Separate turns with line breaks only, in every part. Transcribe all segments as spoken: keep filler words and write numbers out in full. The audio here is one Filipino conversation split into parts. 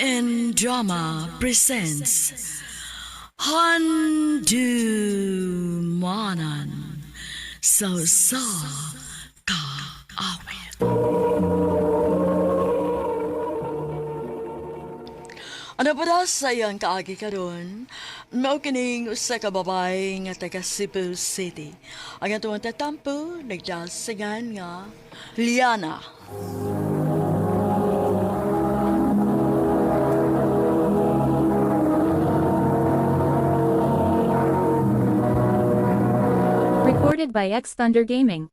and Drama presents Handumanan So Sa Ka Awit. Ano ba daw sayang kaagi ka ron? Mao kining usa ka babae nga taga Cebu City. Ang atuang tatampo nagdasingan nga Liana.
Recorded by X Thunder Gaming.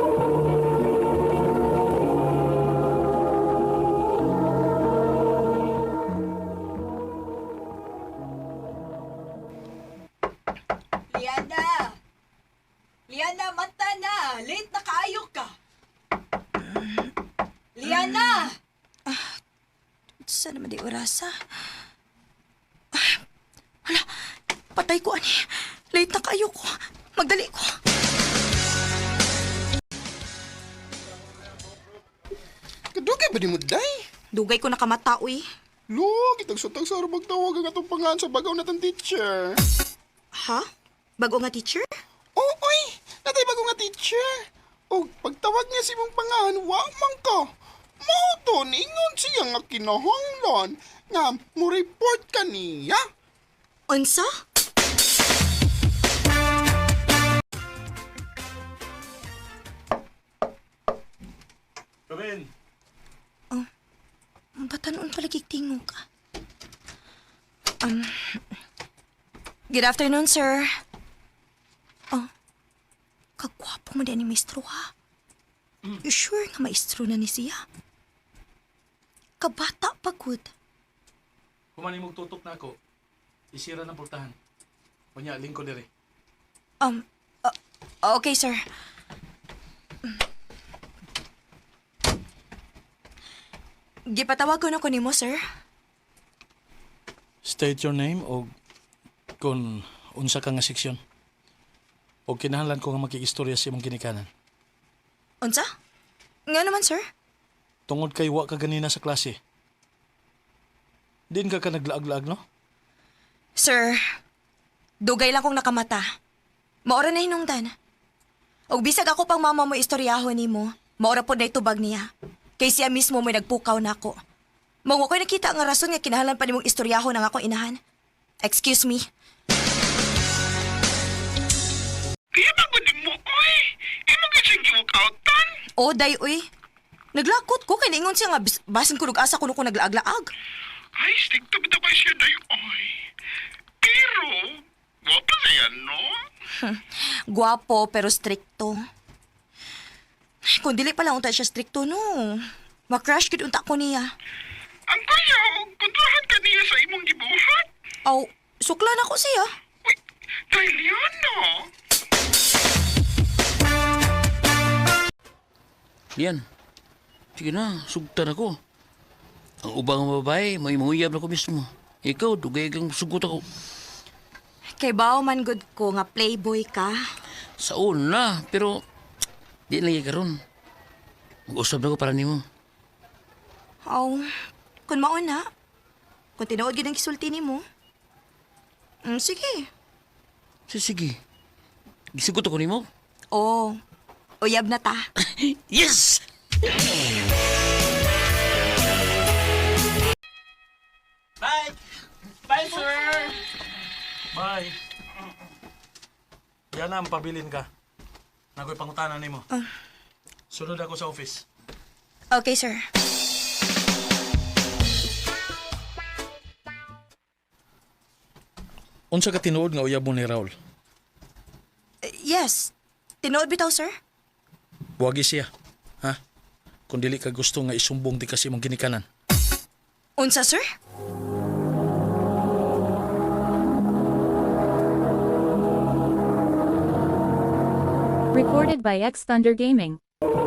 Liana! Liana, mata na! Late na kaayo ka! Liana!
Saan naman di orasa? Ah, hala, patay ko, ani. Late na kayo ko. Magdali ko.
Kadugay ba ni mo, day?
Dugay ko nakamata, uy.
Lo, kitag-sutag sa arang magtawag ang atong pangalan sa bagaw natang teacher.
Ha? Bago nga teacher?
Oo, oy! Natay bago nga teacher. O, pagtawag niya si mong pangalan, wa man ka. Mauto, ingon siya nga kinahanglan nga mo report ka niya.
Unsa?
Come in.
Batanon pala kiktingo ka. Um, good afternoon, sir. Oh, kagwapo mo din ni maestro, ha? You sure nga maestro na ni siya? Kabata pa, good.
Kumani mong tutok na ako. Isira ng pultahan. Kunya, lingko dire.
Um, uh, okay, sir. Gipatawag ko na ko nimo, sir.
State your name o kung unsa ka nga seksyon. O kinahanglan ko nga makikistorya sa imong ginikanan.
Unsa? Nga naman, sir.
Tungod kay wa ka ganina sa klase. Din ka ka naglaag-laag, no?
Sir, dugay lang kong nakamata. Maora na hinungdan. Og bisag ako pang mama mo istoryahon nimo, maora po na itubag niya. Kay siya mismo may nagpukaw na ako. Mga ko'y nakita nga rason nga kinahanglan pa nimong istoryahon ng akong inahan. Excuse me.
Kaya ba ko mo, oy? Imo ka siyang giwakautan?
O, day, uy. Naglakot ko, kay naingon siya nga bis- basin ko nag-asa ko nung ko naglaag-laag.
Ay, stick to bita ba siya, day, oy? Pero, wapa siya, no?
Guwapo pero stricto. Kung dili pala unta siya stricto, no. Makrush kid unta ko niya.
Ang kaya, kontrahan ka niya sa imong gibuhat.
Aw, sukla na ko siya.
Uy, day, Liana.
Yan. Sige na, sugtan ako. Ang ubang babae, may manguyab na ko mismo. Ikaw, dugay kang sugot ako.
Kay bao man good ko nga playboy ka.
Sa una, pero di lagi karon. Mag-usap na ko para nimo.
Aw, kung mauna. Kung tinuod gid ang gisulti nimo. Mm, sige.
So, sige. Gisugot ako nimo.
Oh, uyab na ta.
Yes!
Bye! Bye, sir! Bye! Yan na, pabilin ka. Nagoy pangutanan nimo. Sunod ako sa office.
Okay, sir.
Unsa ka tinuod nga uyab mo ni Raul?
Uh, yes. Tinuod bitaw, sir?
Buwagi siya. Ha? Kung dili ka gusto nga isumbong di kasi mong ginikanan.
Unsa, sir?
Recorded by X Thunder Gaming.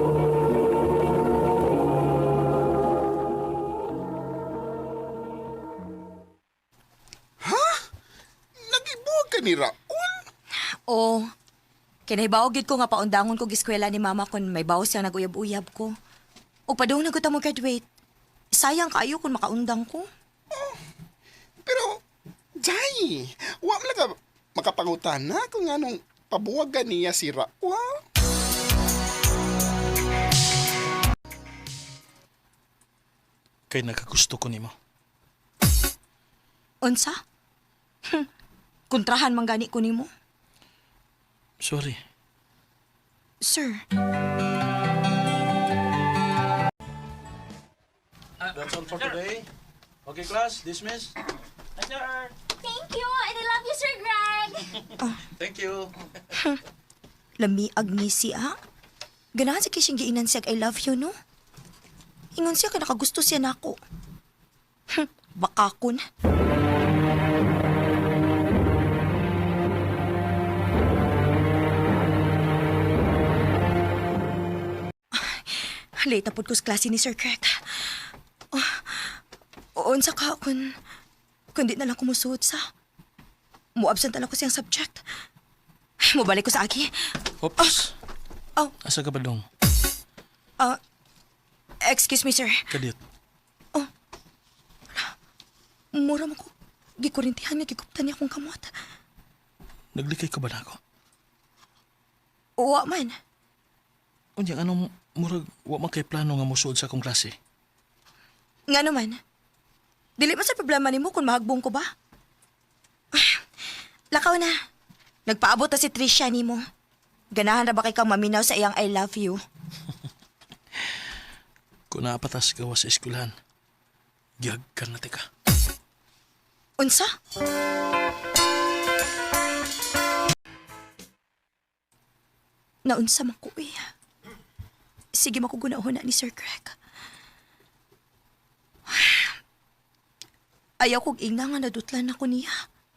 Nagibuhat ka ni Raul?
Oh, kinahibaw gid ko nga paundangon ko giskwela ni mama kon may bawo siyang naguyab-uyab ko. O padung naguta mo graduate. Sayang kaayo kung makaundang ko.
Oh, Pero, Jay, wa man lang ka makapangutan na kung anong pabuwagan niya si Rawa.
Kay nakagusto ko nimo.
Unsa? Hm, kontrahan man gani ko nimo.
Sorry.
Sir,
That's all for today. Okay, class, dismiss.
Thank you! And I love you, Sir Greg!
Thank you.
lamiag ni siya. Ganahan sa kising giinan siya I love you, no? Ingon siya ka nakagusto siya nako. Hm, bakakon. Late na po ko sa klase ni Sir Craig. Oh, unsa ka kun kundi na lang kumusuot sa mo-absent na lang ko siyang subject. Mubalik ko sa aki.
Oops.
Oh,
Asa ka ba dong?
uh, excuse me, sir.
Kadit.
Mura mo ko. Gikurintihan niya, gikuptan niya akong kamot.
Naglikay ka ba na ako?
Uwa man.
Unya, anong murag wa man kay plano nga musuod sa akong klase?
Nga naman. Dili man sa problema ni mo kung mahagbong ko ba? Lakaw na. Nagpaabot na si Trisha ni mo. Ganahan na ba kay kang maminaw sa iyang I love you?
Kung naapatas ka wa sa eskwelahan, giyag ka na tika.
Unsa? Naunsa man ko eh. Sige makugunahon na ni Sir Craig. Ayaw kong ingna nga nadutlan ako niya.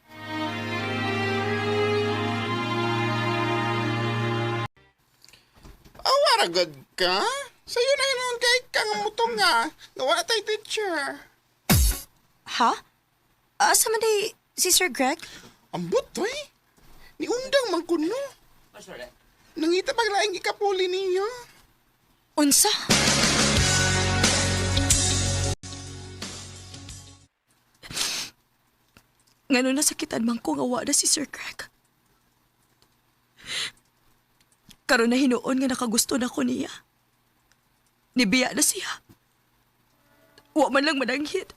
Awaragad ka? Sa'yo na yun kay kang mutong nga. Nawala tayo teacher.
Ha? Asa man day si Sir Greg?
Ambot, toy. Ni undang man kuno. Nangita paglaing ikapuli niya.
Unsa? Ngano nasakitan man ko nga wala si Sir Greg. Karon na hinuon nga nakagusto na ko niya. Nibiya na siya. Wa man lang mananghid.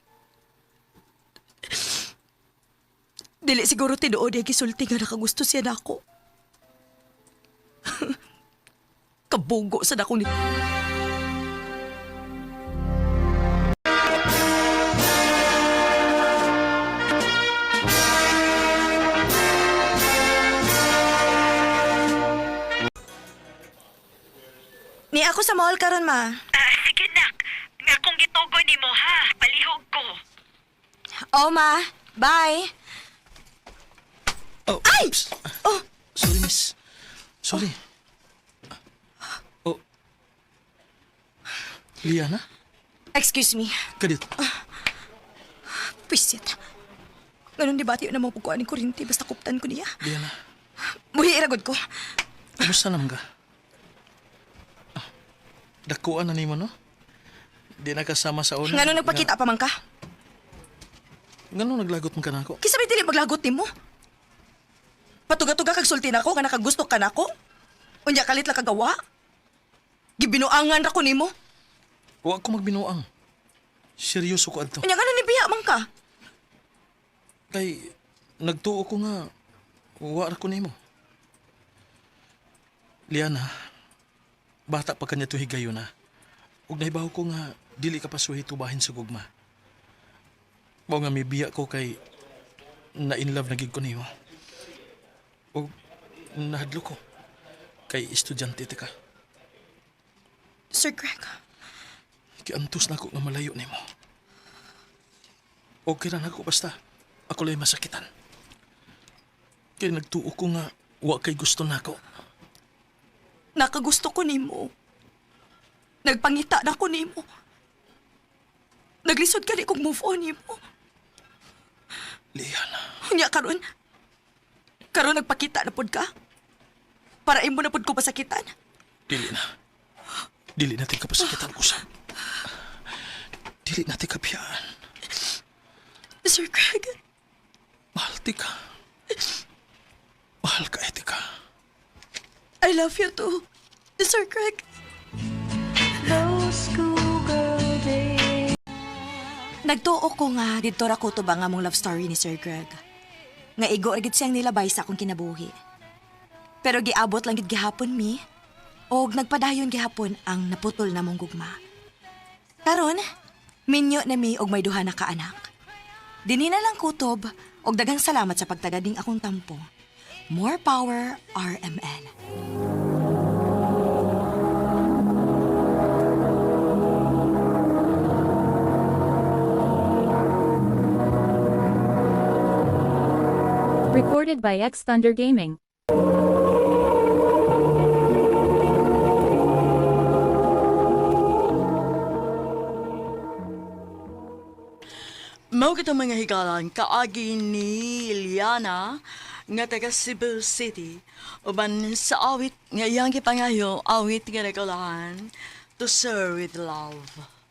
Dili siguro tinuod niya gisulti nga nakagusto siya na ako. Kabugo sa dako ni... Ni ako sa mall karon ma.
Ah, sige nak. Nga kung gitugo ni mo ha, palihog ko.
Oh ma, bye.
Oh,
Ay!
oops.
Oh,
Sorry, miss. Sorry. Oh. Liana?
excuse me.
Kadit.
Pisit. Ganun di ba tiyo na mga pagkuhan ni Kurinti basta kuptan ko niya?
Liana,
Muhi iragod ko.
kumusta naman ka? Ah, dakuan na ni mo, no? Di na kasama sa una.
Ngano nagpakita pa man ka?
Ngano naglagot mo ka na ako?
Kisa may dili maglagot ni mo? Patuga-tuga kag sulti na ko, nga nakagusto ka na ko? Unya kalit lang kagawa? Gibinuangan ra ko nimo.
Huwag ko magbinuang. Seryoso ko adto.
Unya ngano ni biya man ka?
Kay, nagtuo ko nga, wala ko nimo. Liana, bata pa kanya to higayo na. Ug naibaw ko nga, dili ka pa suhi tubahin sa gugma. Mao nga may biya ko kay, na in love na gid ko nimo. Ug nahadlo ko, kay estudyante ti ka.
Sir Greg,
Kiantos na ako nga malayo nimo. Okay ra na ako basta, ako lang masakitan. Kay nagtuo ko nga, wa kay gusto na ako.
nakagusto ko nimo. Nagpangita na ko nimo. Naglisod ka di kong move on nimo.
Liana,
Unya karon. Karon nagpakita na pod ka? Para imo na pod ko pasakitan?
dili na. Dili natin kapasakitan ko sa... Dili natin kabiyaan.
Sir Craig,
Etika. Mahal ka, Etika.
I love you too, Sir Greg. Nagtuo ko nga dito ra ko to ba nga mong love story ni Sir Greg. Nga igo ra gid siyang nilabay sa akong kinabuhi. Pero giabot lang gid gihapon mi og nagpadayon gihapon ang naputol na mong gugma. Karon, minyo na mi og may duha na ka anak. Dinhi na lang kutob og daghang salamat sa pagtagading akong tampo. More power, R M N.
Recorded by X Thunder Gaming.
Mao kita mga higalan kaagi ni Liana nga taga Cebu City uban sa awit nga iyang gipangayo awit nga nagalahan To Serve with Love.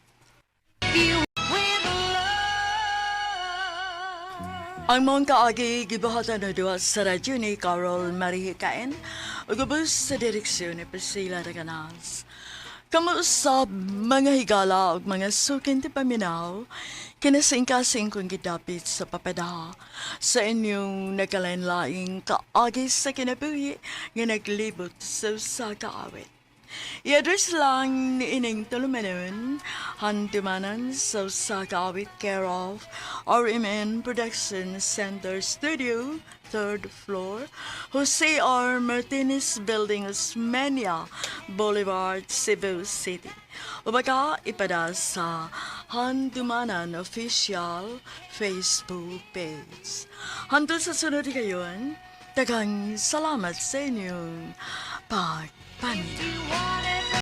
Ang mong kaagi gibuhatan na duwa sa radyo ni Carol Marie Caen ug ubos sa direksyon ni Priscilla Raganas. Kamuusab mga higala ug mga sukin ti paminaw kinasing-kasing kong gidapit sa papadaha sa inyong nagkalain-laing kaagi sa kinabuhi nga naglibot sa usa ka awit. I-address lang ni ining tulumanon, handumanan sa usa ka awit care of R M N Production Center Studio, third floor, Jose R. Martinez Building, Osmeña Boulevard, Cebu City. O baka ipada sa Handumanan Official Facebook page. Hantod sa sunod kayon, daghang salamat sa inyong pagpanig.